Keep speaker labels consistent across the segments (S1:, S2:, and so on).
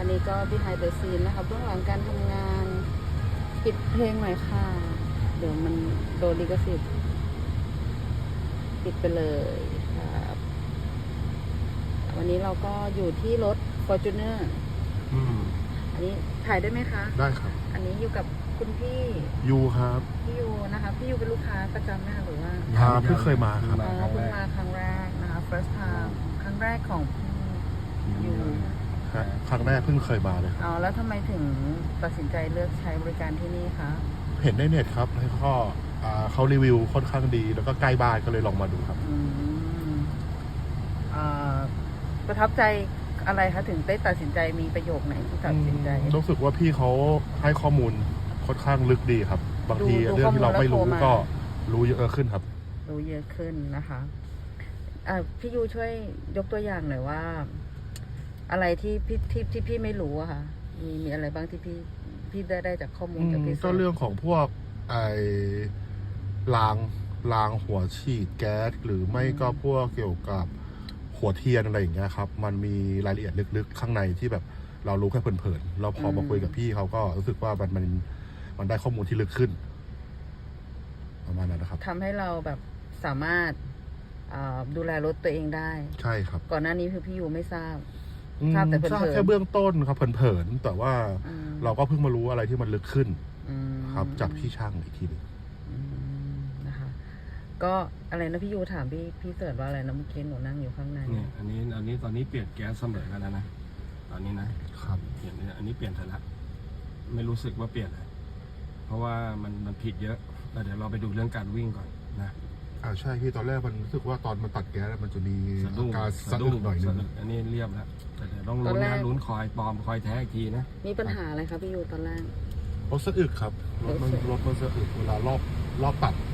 S1: อันนี้ก็ behind the scene นะคะเบื้องหลังการทำงานปิดเพลงหน่อยค่ะ เดี๋ยวมันโดนลิขสิทธิ์ปิดไปเลยครับวันนี้เราก็อยู่ที่รถ Fortuner อันนี้ถ่ายได้ไหมคะ
S2: ได้ครับ
S1: อันนี้อยู่กับคุณพี่
S2: ยูครับ
S1: พี่ยูนะคะพี่ยูเป็นลูกค้าประจำไหมคะหรือว่า
S2: เพิ่งเคยมาครับ
S1: อ๋อเพิ่งมาครั้งแรกนะคะ first time ครั้งแรกของพี่ยู
S2: ครั้งแรกเพิ่งเคยมาเลยครับ
S1: อ๋อแล้วทำไมถึงตัดสินใจเลือกใช้บริการที่นี่คะ
S2: เห็นในเน็ตครับแล้วก็เขารีวิวค่อนข้างดี แล้วก็ใกล้บ้านก็เลยลองมาดูครับ
S1: อ่าประทับใจอะไรคะถึงได้ตัดสินใจมีประโยคไหนที่ตัดสินใจ
S2: รู้สึกว่าพี่เขาให้ข้อมูลค่อนข้างลึกดีครับ บางที
S1: ดู
S2: เรื่องที่เราไม่รู้
S1: ข้อมูลแล้วโทรมา
S2: ก็รู้เยอะขึ้นครับ
S1: รู้เยอะขึ้นนะคะพี่ยูช่วยยกตัวอย่างหน่อยว่า อะไรที่พี่ไม่รู้อะค่ะมีอะไรบ้างที่พี่ได้จากข้อมูลจากพี่
S2: ก็เรื่องของพวกรางหัวฉีดแก๊สหรือไม่ก็พวกเกี่ยวกับหัวเทียนอะไรอย่างเงี้ยครับมันมีรายละเอียดลึกๆข้างในที่แบบเรารู้แค่เพลินๆเราพอมาคุยกับพี่เขาก็รู้สึกว่ามันได้ข้อมูลที่ลึกขึ้นประมาณนั้นนะครับ
S1: ทำให้เราแบบสามารถดูแลรถตัวเองได้
S2: ใช่ครับ
S1: ก่อนหน้านี้คือพี่ยูไม่ทราบแต่เพลินๆ
S2: ทราบแค่เบื้องต้นครับเพลินๆแต่ว่าเราก็เพิ่งมารู้อะไรที่มันลึกขึ้นครับจากพี่ช่างอีกทีนึง
S1: นะคะก็อะไรนะพี่ยูถามพี่เสิร์ชว่าอะไรนะเมื่อกี้หนูนั่งอยู่ข้างใน
S3: เนี่ยอันนี้ตอนนี้เปลี่ยนแก๊สเสมอกันแล้วนะตอนนี้นะครับเปลี่ยนอันนี้เปลี่ยนเสร็จแล้วไม่รู้สึกว่าเปลี่ยนเลยเพราะว่ามันผิดเยอะแล้วเดี๋ยวเราไปดูเรื่องการวิ่งก่อนนะ
S2: ใช่พี่ตอนแรกมันรู้สึกว่าตอนมันตัดแก๊สมันจะมีอาการสะดุ้งหน่อยนึง
S3: อันนี้เรียบแล้วแต่เดี๋ยวต้องลุ้นนะลุ้นคอยปลอมคอยแท้อีกทีนะ
S1: มีปัญหาอะไรครับพี่ยูตอนแรก
S2: รถสะอึกครับรถมันสะอึกเวลารอบตัด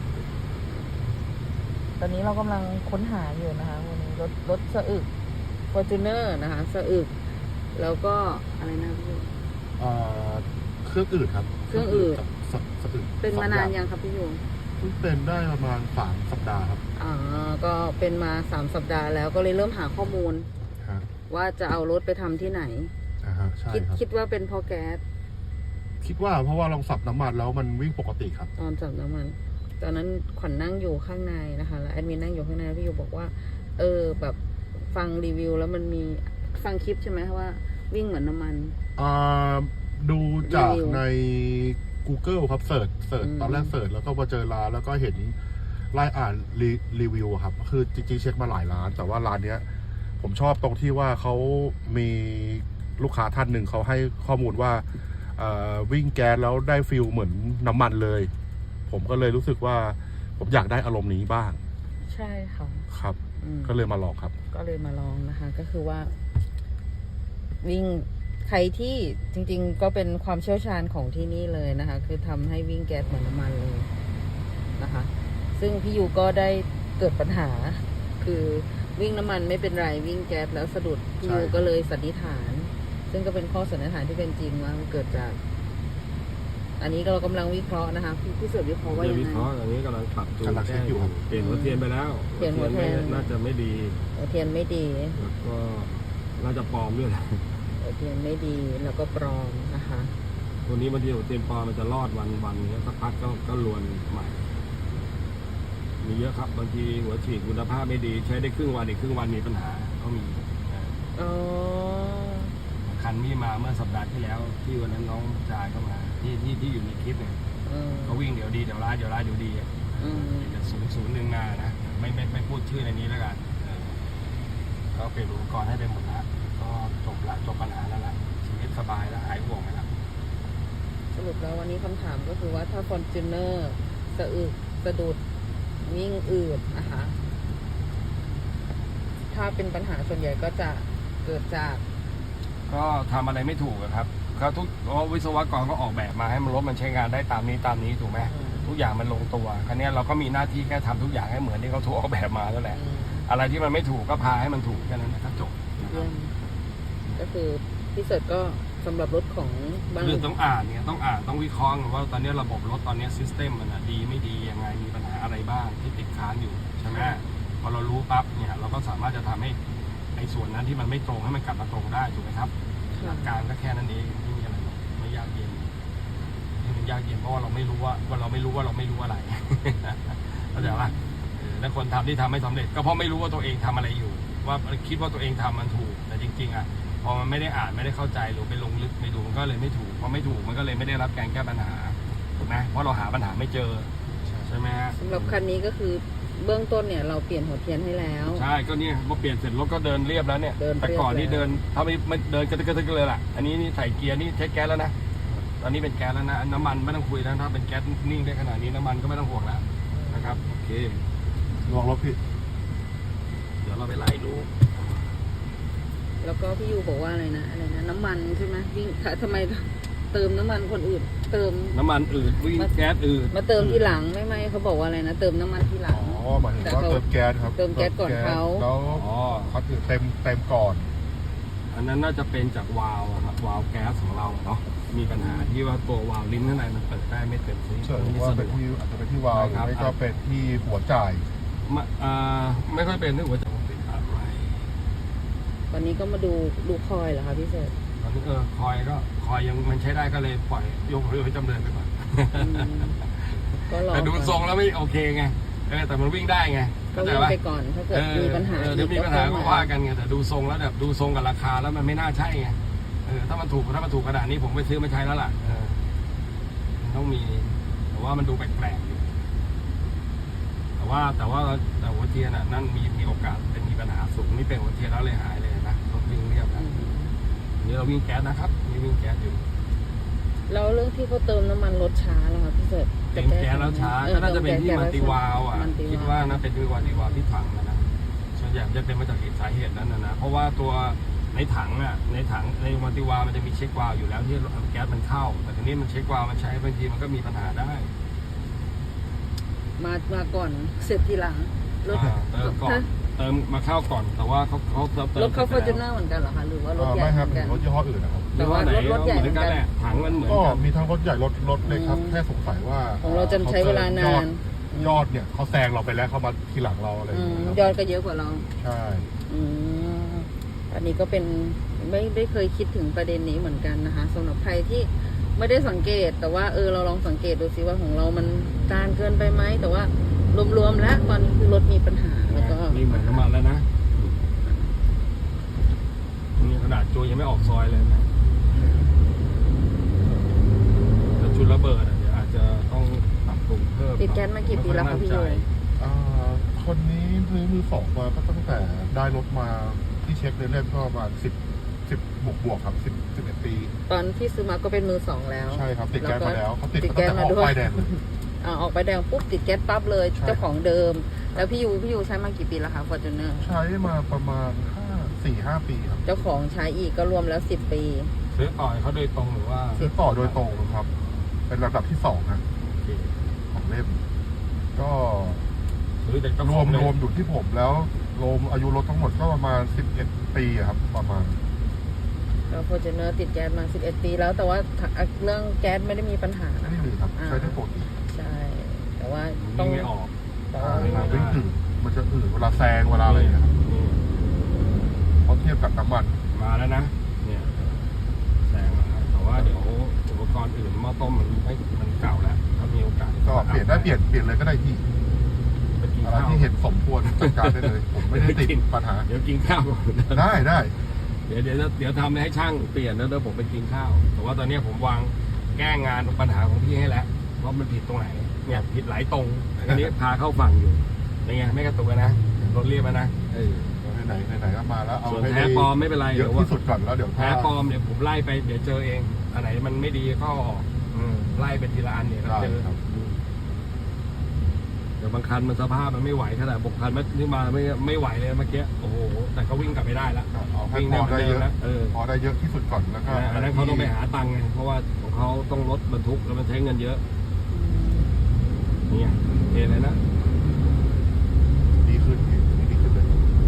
S1: ตอนนี้เรากำลังค้นหาอยู่นะคะวันนี้รถสะอึก Fortuner นะคะสะอึกแล้วก็อะไรนะพี่ยู
S2: เครื่องอืดครับ
S1: เครื่องอืด
S2: สะอึก
S1: เป็นมานานยังครับพี่ยู
S2: เพิ่งเป็นได้ประมาณ3 สัปดาห์ครับ
S1: ก็เป็นมา3 สัปดาห์แล้วก็เลยเริ่มหาข้อมูลว่าจะเอารถไปทำที่ไหน
S2: ใช่ครับ
S1: คิดว่าเป็นเพราะแก๊ส
S2: คิดว่าเพราะว่าลองสับน้ำมันแล้วมันวิ่งปกติครับ
S1: ตอนสับน้ำมันตอนนั้นขวัญนั่งอยู่ข้างในนะคะแล้วแอดมินนั่งอยู่ข้างในพี่ยูบอกว่าแบบฟังรีวิวแล้วมันมีฟังคลิปใช่ไหมว่าวิ่งเหมือนน้ำมัน
S2: ดูจากใน Google ครับเสิร์ชตอนแรกเสิร์ชแล้วก็มาเจอร้านแล้วก็เห็นไล่อ่านรีวิวครับคือจริงๆเช็คมาหลายร้านแต่ว่าร้านเนี้ยผมชอบตรงที่ว่าเขามีลูกค้าท่านหนึ่งเขาให้ข้อมูลว่าวิ่งแก๊สแล้วได้ฟิลเหมือนน้ำมันเลยผมก็เลยรู้สึกว่าผมอยากได้อารมณ์นี้บ้าง
S1: ใช่ค่ะ
S2: ครับก็เลยมาลองครับ
S1: ก็เลยมาลองนะคะก็คือว่าวิ่งใครที่จริงๆก็เป็นความเชี่ยวชาญของที่นี่เลยนะคะคือทำให้วิ่งแก๊สเหมือนน้ำมันเลยนะคะซึ่งพี่ยูก็ได้เกิดปัญหาคือวิ่งน้ำมันไม่เป็นไรวิ่งแก๊สแล้วสะดุดพี่ยูก็เลยสันนิษฐานซึ่งก็เป็นข้อสันนิษฐานที่เป็นจริงว่ามันเกิดจากอันนี้เรากำลังวิเคราะห์นะคะพี่เสิร์ฟวิเคราะห์ว่ายังไง
S3: วิเคราะห์อันนี้กำลังปรับจูนแก้อยู่เปลี่ยนหัวเทียนไปแล้ว
S1: เปลี่ยนหัวเทียน
S3: น่าจะไม่ดี
S1: หัวเทียนไม่ดี
S3: แล้วก็น่าจะปลอมด้วย
S1: หัวเทียนไม่ดีแล้วก็ปลอมนะคะ
S3: ตัวนี้บางทีหัวเทียนปลอมมันจะรอดวันนี้สักพักก็ลวนใหม่มีเยอะครับบางทีหัวฉีดคุณภาพไม่ดีใช้ได้ครึ่งวันอีกครึ่งวันมีปัญหาก็มีคันนี้มาเมื่อสัปดาห์ที่แล้วที่วันนั้นน้องชายเข้ามาที่อยู่ในคลิปเนี่ยก็วิ่งเดี๋ยวดีเดี๋ยวร้ายเดี๋ยวดีจะ001นะไม่พูดชื่อในนี้แล้วกันก็เปลี่ยนอุปกรณ์ให้ไปหมดแล้วก็จบปัญหาแล้วละชีวิตสบายแล้วหายห่วงไปแล้ว
S1: สรุปแล้ววันนี้คำถามก็คือว่าถ้า Fortuner สะอึกสะดุดวิ่งอืดนะคะถ้าเป็นปัญหาส่วนใหญ่ก็จะเกิดจาก
S3: ก็ทำอะไรไม่ถูกครับเขาวิศวกรก็ออกแบบมาให้มันรถมันใช้งานได้ตามนี้ถูกไหมทุกอย่างมันลงตัวครั้นี้เราก็มีหน้าที่แค่ทำทุกอย่างให้เหมือนที่เขาถูกออกแบบมาแล้วแหละอะไรที่มันไม่ถูกก็พาให้มันถูกแค่นั้นนะครับจบ
S1: ก็คือพี่เสิร์ชก็สำหรับรถของบ้าน
S3: คือต้องอ่านต้องวิเคราะห์ว่าตอนนี้ระบบรถตอนนี้ซิสเต็มมันดีไม่ดียังไงมีปัญหาอะไรบ้างที่ติดค้างอยู่ใช่ไหมพอเรารู้ปั๊บเนี่ยเราก็สามารถจะทำให้ในส่วนนั้นที่มันไม่ตรงให้มันกลับมาตรงได้ถูกไหมครับหลักการก็แค่นั้นเองไม่มีอะไรหรอกไม่ยากเย็นที่มันยากเย็นเพราะว่าเราไม่รู้ว่าเราไม่รู้ว่าเราไม่รู้อะไร เข้าใจป่ะแล้วคนทำที่ทำไม่สำเร็จก็เพราะไม่รู้ว่าตัวเองทำอะไรอยู่ ว่าคิดว่าตัวเองทำมันถูกแต่จริงๆอ่ะพอมันไม่ได้อ่านไม่ได้เข้าใจหรือไปลงลึกไม่ดูมันก็เลยไม่ถูกพอไม่ถูกมันก็เลยไม่ได้รับการแก้ปัญหาถูกไหมเพราะเราหาปัญหาไม่เจอใช่ไหมฮะ
S1: สำหรับคันนี้ก็คือเบื้องต้นเนี่ยเราเปลี่ยนหัวเทียนให้แล้ว
S3: ใช่ก็เนี่ยพอเปลี่ยนเสร็จรถก็เดินเรียบแล้วเนี่ย
S1: เดินเรียบ
S3: แต่ก่อนนี่
S1: แล้ว
S3: เดินถ้าไม่เดินกระตึกเลยล่ะอันนี้นี่ใส่เกียร์นี่ใช้แก๊สแล้วนะตอนนี้เป็นแก๊สแล้วนะน้ำมันไม่ต้องคุยแล้วถ้าเป็นแก๊สนิ่งได้ขนาดนี้น้ำมันก็ไม่ต้องห่วงแล้วนะครับโอเค
S2: ลองรถพี่
S3: เดี๋ยวเราไปไล่ดู
S1: แล้วก็พี่ยูบอกว่าอะไรนะน้ำมันใช่ไหมวิ่งทำไมเติมน้ำมันคนอื่น เติม
S3: น้ำมันอืดวิ่งแก๊สอืด
S1: มาเติมทีหลังไม่เขาบอกว่าอะไรนะเติมน้ำมันทีหลั
S2: อ๋
S1: ง
S2: อหมายถึงว่าเติมแก๊สครับ
S1: เติมแก๊สก่อนเขา
S2: แล้ว
S3: อ๋อ
S2: เขาถือเต็มก่อน
S3: อันนั้นน่าจะเป็นจากวาล์วอะครับวาล์วแก๊สของเราเนาะมีปัญหาที่ว่าตัววาล์วลิ้นข้างในมันเปิดได้ไม่เต็มที่
S2: เชื่อว่าเป็นที่อาจจะเป็นที่วาล์วหรือไม่ก็เป็นที่หัวจ่าย
S3: ไม่ค่อยเป็นเรื่องหัวใจติดอะไร
S1: วันนี้ก็มาดูคอยเหรอคะพี่เสิร์ช
S3: ตอนนี้คอยยังมันใช้ได้ก็เลยปล่อยยกให้จำเริญไปก่อน
S1: ก็รอ
S3: แต่ดูทรงแล้วไม่โอเคไงแต่มันวิ่งได้ไง
S1: ก็
S3: เข้าใจ
S1: วิ่ง
S3: ปะ
S1: ไปก่อนถ้าเกิดมีปัญหา
S3: เดี๋ยวมีปัญหาก็ว่ากันไงแต่ดูทรงแล้วแบบดูทรงกับราคาแล้วมันไม่น่าใช่ไงถ้ามันถูกขนาดนี้ผมไปซื้อมาใช้แล้วล่ะมันต้องมีแต่ว่ามันดูแปลกๆอยู่แต่หัวเทียนนั่นมีโอกาสเป็นมีปัญหาสูงนี่เป็นหัวเทียนแล้วเลยหายเลยนะรถวิ่งเรียบนะนี่เราวิ่งแก๊สนะครับนี่วิ่งแก๊สอยู่
S1: แล้วเรื่องที่เขาเติมน้ำมันรถช้าแล้วค่ะพี่เสิร์ช
S3: เต็มแก๊สแล้วช้าก็น่าจะเป็นที่มันติวาลอ่ะคิดว่านะเป็นติวาลที่ถังนะส่วนใหญ่จะเป็นมาจากสาเหตุนั้นนะเพราะว่าตัวในถังในมันติวาลมันจะมีเช็ควาล์วอยู่แล้วที่แก๊สมันเข้าแต่ทีนี้มันเช็ควาล์วมันใช้บางทีมันก็มีปัญหาได้
S1: มาก่อนเสร็จทีหลังรถ
S3: เติมก่อนเติมมาเข้าก่อนแต่ว่าเขาเติม
S1: รถเขาฟอร์จูเนอร์เหมือนกันเหรอคะหรือว่ารถใหญ่
S2: ไม่
S1: เห
S2: ครั
S1: มื
S2: บ
S1: อนกัน
S2: รถยี่ห้ออื่นนะครับ
S1: แต่ว่ารถใหญ่เหมือนกัน
S3: แหละถังมันเหมือน
S2: ก็
S3: กัน
S2: มีทั้งรถใหญ่รถเล็กครับแค่สงสัยว่า
S1: ของเราจะใช้เวลานาน
S2: ยอดเนี่ยเขาแซงเราไปแล้วเขามาทีหลังเราอะไรอย่างเงี้ยครับ
S1: ยอดก็เยอะกว่าเรา
S2: ใช่
S1: อันนี้ก็เป็นไม่เคยคิดถึงประเด็นนี้เหมือนกันนะคะสำหรับใครที่ไม่ได้สังเกตแต่ว่าเราลองสังเกตดูซิว่าของเรามันจานเกินไปไหมแต่ว่ารวมๆแล้วตอนนี้คือรถมีปัญหาแล้วก็
S3: นี่เหมือนน้ำมันแล้วนะนี่ขนาดจูยังไม่ออกซอยเลยนะแต่ชุดระเบิดเดี๋ยวอาจจะต้องปรับปรุงเพิ่ม
S1: ติดแก๊สมากี่ปีแล้วคะพี่โย
S2: คนนี้ซื้อมือสองมาก็ตั้งแต่ได้รถมาที่เช็คเล่นๆก็ประมาณ10บวกครับ11 ปี
S1: ตอนที่ซื้อมาก็เป็นมือสองแล้ว
S2: ใช่ครับติดแก๊สมาแล้วเขาติด
S1: แก๊ส
S2: ตั้งแต่
S1: มา
S2: ออก
S1: ด้วย
S2: ป้ายแดงเลย
S1: ออกไปแดงปุ๊บติดแก๊สปั๊บเลย
S2: ใช่
S1: เจ้าของเดิม แล้วพี่ยูใช้มากี่ปีแล้วคะฟอร์จูเนอร์
S2: ใช้มาประมาณ4-5 ปีครับ
S1: เจ้าของใช้อีกก็รวมแล้ว10 ปี
S3: ซื้อต่อยเขาโดยตรงหรือว่า
S2: ซื้อต่อโดยตรงครับ เป็นระดับที่2นะของเล่มก็
S3: ซื้อแต่
S2: รวมอยู่ที่ผมแล้วรวมอายุรถทั้งหมดก็ประมาณ11 ปีครับประมาณ
S1: แล้วฟอร์จูเนอร์ติดแก๊สมา11 ปีแล้วแต่ว่าเรื่องแก๊สไม่ได้มีปัญหา
S2: ไม่ได้มีครับใช้ได้ปกติ
S1: ใช่ แต่ว่าต้
S3: ต้
S1: อ
S3: อง งไม่ออก
S1: แต่ว่า
S2: มันจะอืดเวลาแซงเวลาอะไรอย่างเงี้ยครับเพราะเทียบกับน้ำมัน
S3: มาแล้วนะเนี่ยแสงมาแล้วแต่ว่าเดี๋ยวอุปกรณ์อื่นหม้อต้มมันเก่าแล้วถ้ามีโอกาส
S2: ก็เปลี่ยนเลยก็ได้ที่
S3: ไปกิน
S2: อะไร
S3: ข้าว
S2: ที่เห็นสมควรจัดการได้เลย ผมไม่ได้ติดปัญหา
S3: เดี๋ยวกินข้าวก่อน
S2: ได้
S3: เดี๋ยวทำให้ช่างเปลี่ยนแล้วเดี๋ยวผมไปกินข้าวแต่ว่าตอนนี้ผมวางแก้งานปัญหาของพี่ให้แล้วว่ามันผิดตรงไหนเนี่ยผิดหลายตรงอันนี้พาเข้าฝั่งอยู่ยังไงไม่กระตุกนะรถเรียบนะ
S2: ไหนก็มาแล้วเอา
S3: ส่วน
S2: ให้
S3: แท้ปลอมไม่เป็นไร
S2: เยอะที่สุดก่อนแล้วเดี๋ยว
S3: แท้ปลอมเดี๋ยวผมไล่ไปเดี๋ยวเจอเองอันไหนมันไม่ดีก็ออกไล่ไปทีละอันเนี่ยก็เจอเดี๋ยวบางคันมันสภาพมันไม่ไหวขนาดบางคันนี่มาไม่ไหวเลยเมื่อกี้โอ้โหแต่ก็วิ่งกลับไม่ได้ละ
S2: เอาให้
S3: วิ่ง
S2: พอได้เยอะ
S3: นะ
S2: พอได้เยอะที่สุดก่อนแล้วก็
S3: อันนั้นเขาต้องไปหาตังค์ไงเพราะว่าของเขาต้องรถบรรทุกแล้วมันใช้เงินเยอะนี่เห็นเลยนะ
S2: ดีขึ้นเลย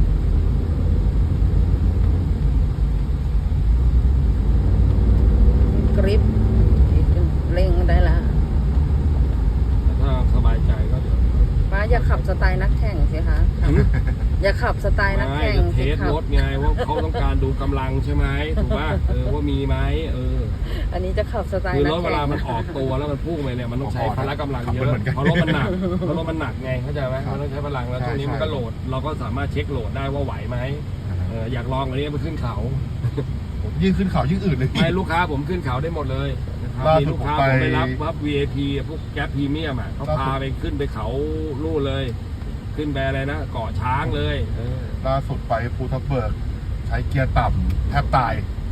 S1: กริปเร่งได้ละ
S3: แต่ถ้าสบายใจก็เดี๋ยว
S1: ป้าอย่าขับสไตล์นักแข่งสิคะ ออย่าขับสไตล์นักแข่ง
S3: จะเท
S1: สิ
S3: ส
S1: ขับ
S3: รถไงว่าเขาต้องการดูกำลังใช่ไหมถูกป่ะว่ามีไหม
S1: อันนี้จะขับสไตล์
S3: คือ
S1: นั
S3: ร
S1: ก
S3: ถเว
S1: แข่ง
S3: ลามันออกตัวแล้วมันพุ่งไปเนี่ยมันต้องใช้พละกำลังเยอะเพราะรถมันหนักไงเข้าใจไหมมันต้องใช้พลังแล้วตรงนี้มันก็โหลดเราก็สามารถเช็คโหลดได้ว่าไหวไหมอยากลองอันนี้ไปขึ้นเขา
S2: ยิ่งขึ้นเขายิ่งอื่นเลย
S3: ไม่ลูกค้าผมขึ้นเขาได้หมดเลยนะครับมีลูกค้าผมไปรับ VIP พวกแก๊ปพรีเมียมอ่ะเขาพาไปขึ้นไปเขาลู่เลย ขึ้นไปอะไรนะเกาะช้างเลย
S2: ล่าสุดไปภูทับเบิกใช้เกียร์ต่ำแทบตาย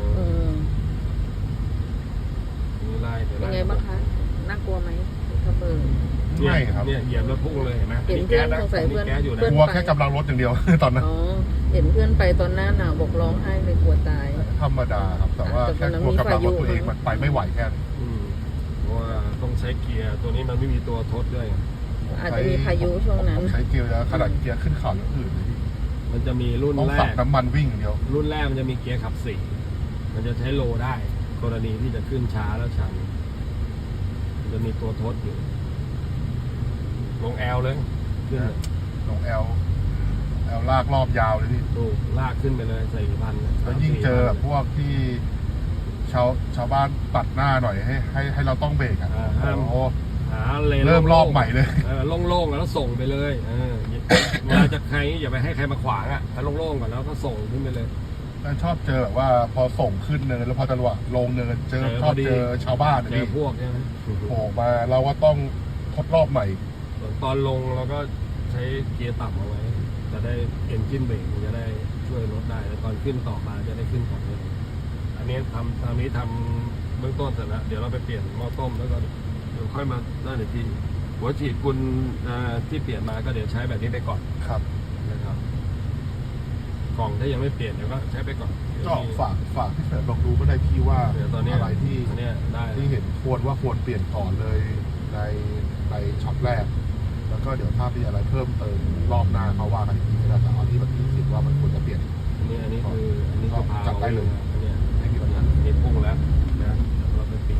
S1: เป็นไงบ้างคะน่ากลัวไหมทับเบิก
S2: ไม่ครับ
S3: เนี่ยเหยียบแล้วพุ่งเลยเห็นไหม
S1: เห็นเพื่อนสงสัยเพื่อน
S2: กลัวแค่กำลังรถอย่างเดียว ตอนนั้น
S1: อ๋อเห็นเพื่อนไปตอนหน้าหนาวบอกร้องไห้เลยกลัวตาย
S2: ธรรมดาครับแต่ว่าแค่กลัวกำลังรถตัวเองมันไปไม่ไหวแค่นั้น
S3: เพราะว่าต้องใช้เกียร์ตัวนี้มันไม่มีตัวทดด้วย
S1: อาจจะมีพายุช่วงนั้น
S2: ใช้เกียร์แล้วขนาดเกียร์ขึ้นเขาอย่างอื่นเลย
S3: มันจะมีรุ่น
S2: ต้อง
S3: แร
S2: สับ
S3: ก
S2: น้ำมันวิ่งอย่างเดียว
S3: รุ่นแรกมันจะมีเกียร์ขับสี่มันจะใช้โลได้ กรณีที่จะขึ้นช้าแล้วชันมันจะมีตัวทดอยู่ลงแอลเลยขึ้น
S2: ลงแอลลากรอบยาวเลยพี่
S3: ถูกลากขึ้นไปเลย4,000
S2: แล้วยิ่งเจอแบบพวกที่ชาวบ้านตัดหน้าหน่อยให้เราต้องเบรกอ่ะโอ้โห
S3: หาเลน
S2: เริ่มรอบใหม่เลย
S3: โล่งๆแล้วส่งไปเลยเวลาจะใครอย่าไปให้ใครมาขวางอ่ะถ้าโล่งๆก่อนแล้วก็ส่งขึ้นไปเลย
S2: ชอบเจอแบบว่าพอส่งขึ้นเนินแล้วพอจังหวะลงเนินชอบเจอชาวบ้าน
S3: เจอพวกใช่ไหม
S2: โผล่มาเราก็ต้องทดรอบใหม่
S3: ตอนลงเราก็ใช้เกียร์ต่ำเอาไว้จะได้เอนจินเบรกจะได้ช่วยรถได้แล้วตอนขึ้นต่อมาจะได้ขึ้นต่อเลยอันนี้ทำเบื้องต้นเสร็จแล้วเดี๋ยวเราไปเปลี่ยนหม้อต้มแล้วก็เดี๋ยวค่อยมาได้ในที่หัวฉีดกุลที่เปลี่ยนมาก็เดี๋ยวใช้แบบนี้ไปก่อน
S2: ครับ
S3: นะครับกล่องถ้ายังไม่เปลี่ยนเดี๋ยวก็ใช้ไปก่อน
S2: ก็ฝากพี่เสริมลองดูก็ได้พี่ว่า
S3: เดี๋ยวตอนนี้
S2: อะไรที่
S3: ได้
S2: ที่เห็นควรเปลี่ยนก่อนเลยในช็อตแรก แล้วก็เดี๋ยวถ้ามีอะไรเพิ่มเติมรอบหน้าเขาว่ากันอีกทีนะแต่เอาที่แบบที่คิดว่ามันควรจะเปลี่ยน
S3: อันนี้คือพา
S2: จับได้เลย
S3: อันนี้ไม่มีปัญหามีพุ่งแล้วนะเราไปเปลี่ยน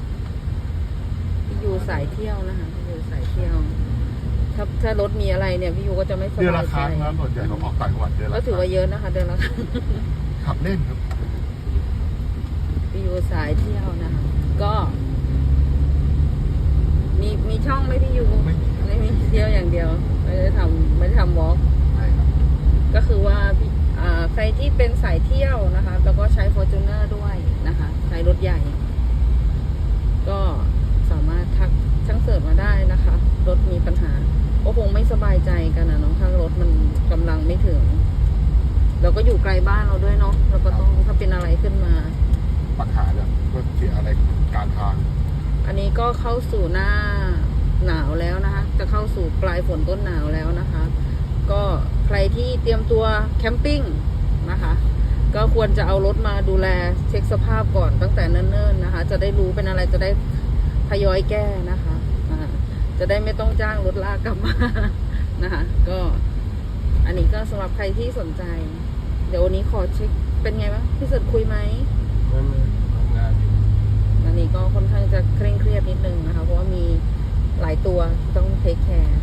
S1: พี่ยูสายเที่ยวนะคะพี่ยูสายเที่ยวถ้ารถมีอะไรเนี่ยพี่ยูก็จะไม่ส
S2: เดือน
S1: บา
S2: ละ
S1: ย
S2: ค
S1: ใจ
S2: รั้งนะส่วนใหญ่เราออกต่างจังหวัดเดือนละ
S1: ก็ถือว่าเยอะนะคะเดือนละครั้ง
S2: ขับเล่นครับ
S1: พี่ยูสายเที่ยวนะคะก็มีช่องไหมพี่ยูไม่มีเที่ยวอย่างเดียวไม่ได้ทำวอล์ก
S2: ใช่ครับ
S1: ก็คือว่าใครที่เป็นสายเที่ยวนะคะแล้วก็ใช้ Fortuner ด้วยนะคะใช้รถใหญ่ ก็สามารถทักช่างเสริมมาได้นะคะรถมีปัญหาก็คงไม่สบายใจกันนะเนาะถ้ารถมันกำลังไม่ถึงเราก็อยู่ไกลบ้านเราด้วยเนาะเราก็ต้องถ้าเป็นอะไรขึ้นมา
S2: ปัญหาเนี่ยก็เสียอะไรกลางทาง
S1: อันนี้ก็เข้าสู่หน้าหนาวแล้วนะคะจะเข้าสู่ปลายฝนต้นหนาวแล้วนะคะ ก็ใครที่เตรียมตัวแคมปิ้งนะคะ ก็ควรจะเอารถมาดูแลเช็คสภาพก่อนตั้งแต่เนิ่นๆนะคะ จะได้รู้เป็นอะไรจะได้ทยอยแก้นะคะจะได้ไม่ต้องจ้างรถลากกลับมานะคะก็อันนี้ก็สำหรับใครที่สนใจเดี๋ยววันนี้ขอเช็คเป็นไงบ้างพี่สุดคุยไหม
S3: ทำงานอยู่
S1: อันนี้ก็ค่อนข้างจะเคร่งเครียดนิดนึงนะคะเพราะว่ามีหลายตัวที่ต้องเทคแคร์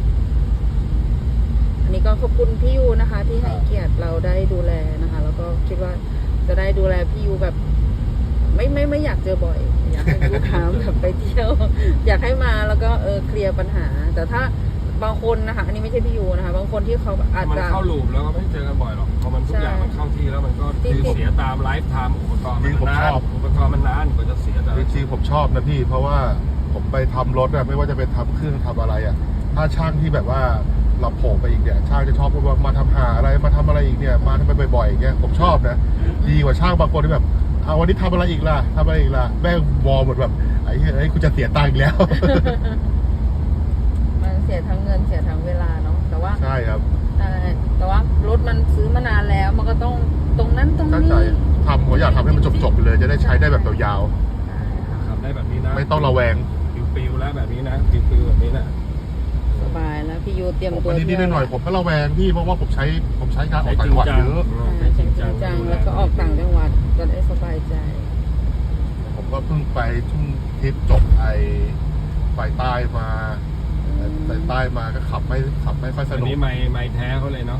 S1: อันนี้ก็ขอบคุณพี่ยูนะคะ ที่ให้เกียรติเราได้ดูแลนะคะ แล้วก็คิดว่าจะได้ดูแลพี่ยูแบบไม่อยากเจอบ่อย อยากให้ลูกค้าแบบไปเที่ยว อยากให้มาแล้วก็เคลียร์ปัญหา แต่ถ้าบางคนนะคะ อันนี้ไม่ใช่พี่ยูนะคะบางคนที่เขาอาจ
S3: มัน
S1: จะ
S3: เข้าลูปแล้วก็ไม่เจอกันบ่อยหรอกพอมันทุกอย่างมันเข้าที่แล้วมันก็คือเสียตามไลฟ์ไทม์อุปกรณ์มันนานอุปกรณ์มันนานกว่าจะเสียแต่
S2: จริงๆผมชอบนะพี่เพราะว่าผมไปทำรถอะไม่ว่าจะเป็นทำเครื่องทำอะไรอะถ้าช่างที่แบบว่าเราโผล่ไปอีกเนี่ยช่างจะชอบพูดว่ามาทำหาอะไรมาทำอะไรอีกเนี่ยมาทำไปบ่อยๆอย่างเงี้ยผมชอบนะดีกว่าช่างบางคนที่แบบเอาวันนี้ทำอะไรอีกล่ะแม่งวอลหมดแบบไอ้คุณจะเสียตังค์อีกแล้ว
S1: มันเสียทั้งเงินเสียทั้งเวลาเนาะแต่ว่า
S2: ใช่ครับ
S1: แต่ว่ารถมันซื้อมานานแล้วมันก็ต้องตรงนั้นตรง
S2: ตั้ง
S1: นี้
S2: ใจผมอยากทำให้มันจบๆไปเลยจะได้ใช้ได้แบบยาว
S3: ทำได้แบบนี้นะ
S2: ๆไม่ต้องระแวง
S3: ปิวๆแล้วแบบนี้นะปิวๆแบบนี้นะ
S1: สบายแล้วพี่ยูเตรียม
S2: ผม
S1: ตัว
S2: วันนี้นิดหน่อยผมก็ระแวงพี่เพราะว่าผมใช้การออกต่างจังหวัดเยอะ
S1: ใช่จริงจังแล้วก็ออกต่างจังหวัดจะได้สบายใจ
S2: ผมก็เพิ่งไปช่วงทริปจบไปใต้มาไปใต้มาก็ขับไม่ค่อยส
S3: อัน
S2: นุก
S3: นี้ไม้แท้เขาเลยเนาะ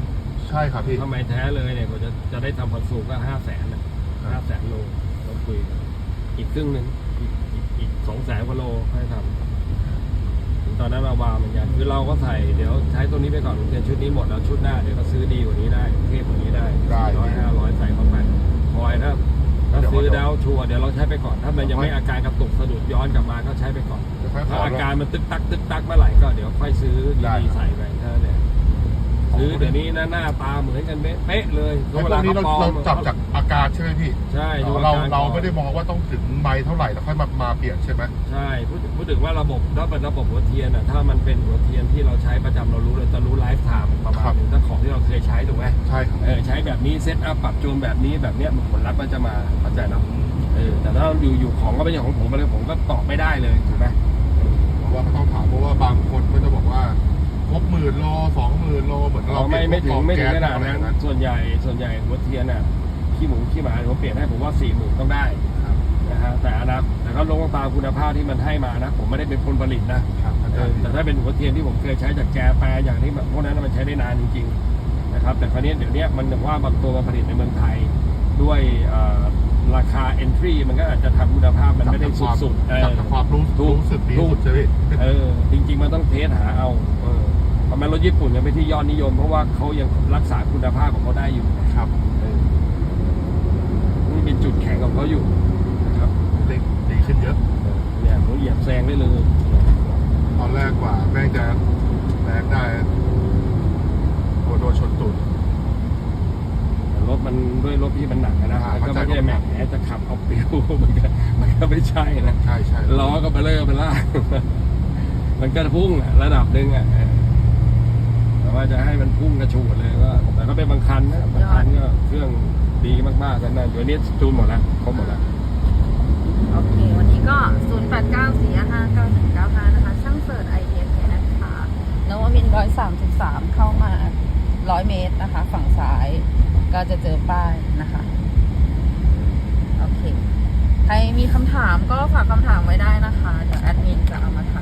S2: ใช่ครับพี่
S3: ถ้าไม่แท้เลยเนี่ยผมจะได้ทำพันสูงก็500,000นะ500,000 โลต้องคุยกันอีกครึ่งหนึ่งอีก200,000 กว่าโลให้ทำตอนนั้นเราวางเหมือนกันคือเราก็ใส่เดี๋ยวใช้ตัวนี้ไปก่อนเรียนชุดนี้หมดแล้วชุดหน้าเดี๋ยวก็ซื้อดีกว่านี้ได้เทพกว่านี้ได้400-500ใส่เข้าไปพอยถ้าซื้อดาวชัวร์เดี๋ยวเราใช้ไปก่อนถ้ามันยังไม่อาการกระตุกสะดุดย้อนกลับมาก็ใช้ไปก่อนถ้าอาการมันตึกตักเมื่อไหร่ก็เดี๋ยวค่อยซื้อดีๆใส่ไปเท่านั้นเนี่ยซื้อเดี๋ยวนี้หน้าตาเหมือนกันเป๊ะเลย
S2: ไอ้พวกนี้เราจับจากอาการใช่ไหมพี่
S3: ใช่ดู
S2: เราไม่ได้มองว่าต้องถึงไมล์เท่าไหร่แล้วค่อยมาเปลี่ยนใช่ไหม
S3: ใช่พูดถึงว่าระบบถ้าเป็นระบบหัวเทียนอ่ะถ้ามันเป็นหัวเทียนที่เราใช้ประจำเรารู้เลยจะรู้ไลฟ์ไทม์ประมาณนึงถ้าของที่เราเคยใช้ถูกไหม
S2: ใช่ครับ
S3: ใช้แบบนี้เซตอัพปรับจูนแบบนี้แบบเนี้ยผลลัพธ์มันจะมาเข้าใจนะแต่ถ้าอยู่ของก็เป็นอย่างของผมเลยผมก็ตอบไม่ได้เลยถูกไหม
S2: เพราะว่าเขาต้องถามเพราะว่าบางคนก็จะบอกว่าครบ10,000 โล 20,000 โลเหมือนเรา
S3: ไม่ถึงขนาด
S2: อะไร
S3: นั้นส่วนใหญ่หัวเทียนน่ะขี้หมูขี้หมาผมเปลี่ยนให้ผมว่า40,000ต้องได้นะฮะแต่ก็ลงตามคุณภาพที่มันให้มานะผมไม่ได้เป็นคนผลิตนะแต่ถ้าเป็นหัวเทียนที่ผมเคยใช้จากแจแปรอย่างที่แบบพวกนั้นมันใช้ได้นานจริงๆนะครับแต่คราวนี้เดี๋ยวนี้มันว่าบางตัวมาผลิตในเมืองไทยด้วยราคา entry มันก็อาจจะทำคุณภาพมันไม่ได้สุดๆ
S2: จากความรู้สึกดีสุดใช่ไหม
S3: จริงๆมันต้องเทสหาเอาทำไมรถญี่ปุ่นยังเป็นที่ยอดนิยมเพราะว่าเขายังรักษาคุณภาพของเขาได้อยู่
S2: ครับ
S3: นี่เป็นจุดแข็งของเขาอยู่นะครับ
S2: ดีขึ้นเยอะ
S3: เนี่ยเขาเหยียบแซงได้เลย
S2: ตอนแรกกว่าแม่งจะแรงได้โดนชนตูด
S3: รถมันด้วยรถที่มันหนักนะก็ไม่ใช่แหมจะขับเอาเปรี้ยวมันก็ไม่ใช่นะ
S2: ใช่
S3: ล้อก็ไปเลื่อยไปล่ามันก็พุ่งระดับหนึ่งแต่ว่าจะให้มันพุ่งกระชูดเลยก็แต่ก็เป็นบางคันนะบางคันก็เครื่องดีมากๆกันนะเดี๋ยวนี้จูนหมดแล้วครบหมดแล้ว
S1: โอเควันนี้ก็0894559195นะคะช่างเสิร์ช IDS นะคะนวมินทร์133เข้ามา100 เมตรนะคะฝั่งซ้ายก็จะเจอป้ายนะคะโอเคใครมีคำถามก็ฝากคำถามไว้ได้นะคะเดี๋ยวแอดมินจะเอามาถ